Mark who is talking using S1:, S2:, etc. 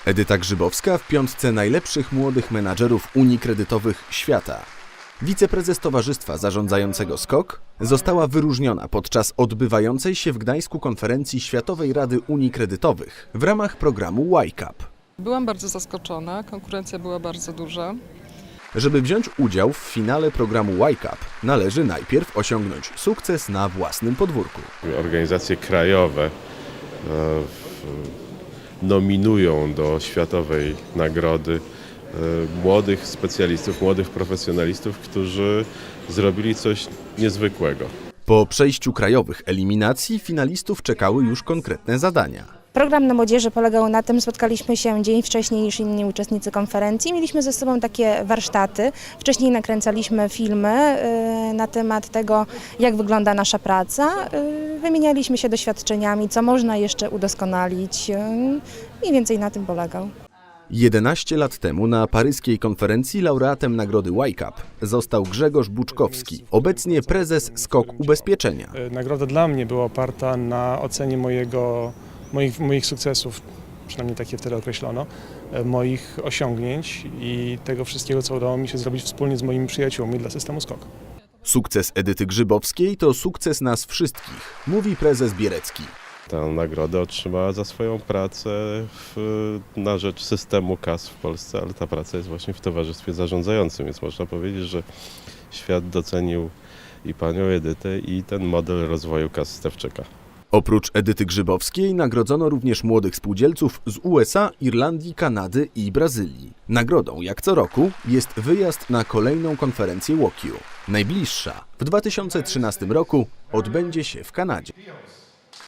S1: Edyta Grzybowska w piątce najlepszych młodych menadżerów Unii Kredytowych świata. Wiceprezes Towarzystwa Zarządzającego SKOK została wyróżniona podczas odbywającej się w Gdańsku konferencji Światowej Rady Unii Kredytowych w ramach programu Y-Cup.
S2: Byłam bardzo zaskoczona, konkurencja była bardzo duża.
S1: Żeby wziąć udział w finale programu Y-Cup, należy najpierw osiągnąć sukces na własnym podwórku.
S3: Organizacje krajowe nominują do światowej nagrody młodych specjalistów, młodych profesjonalistów, którzy zrobili coś niezwykłego.
S1: Po przejściu krajowych eliminacji finalistów czekały już konkretne zadania.
S4: Program na młodzieży polegał na tym, spotkaliśmy się dzień wcześniej niż inni uczestnicy konferencji. Mieliśmy ze sobą takie warsztaty. Wcześniej nakręcaliśmy filmy na temat tego, jak wygląda nasza praca. Wymienialiśmy się doświadczeniami, co można jeszcze udoskonalić. Mniej więcej na tym polegał.
S1: 11 lat temu na paryskiej konferencji laureatem nagrody Y-Cup został Grzegorz Buczkowski, obecnie prezes SKOK Ubezpieczenia.
S5: Nagroda dla mnie była oparta na ocenie moich sukcesów, przynajmniej takie wtedy określono, moich osiągnięć i tego wszystkiego, co udało mi się zrobić wspólnie z moimi przyjaciółmi dla systemu SKOK.
S1: Sukces Edyty Grzybowskiej to sukces nas wszystkich, mówi prezes Bierecki.
S3: Tę nagrodę otrzymała za swoją pracę na rzecz systemu kas w Polsce, ale ta praca jest właśnie w towarzystwie zarządzającym, więc można powiedzieć, że świat docenił i panią Edytę, i ten model rozwoju kas Stefczyka.
S1: Oprócz Edyty Grzybowskiej nagrodzono również młodych spółdzielców z USA, Irlandii, Kanady i Brazylii. Nagrodą, jak co roku, jest wyjazd na kolejną konferencję WOKU. Najbliższa w 2013 roku odbędzie się w Kanadzie.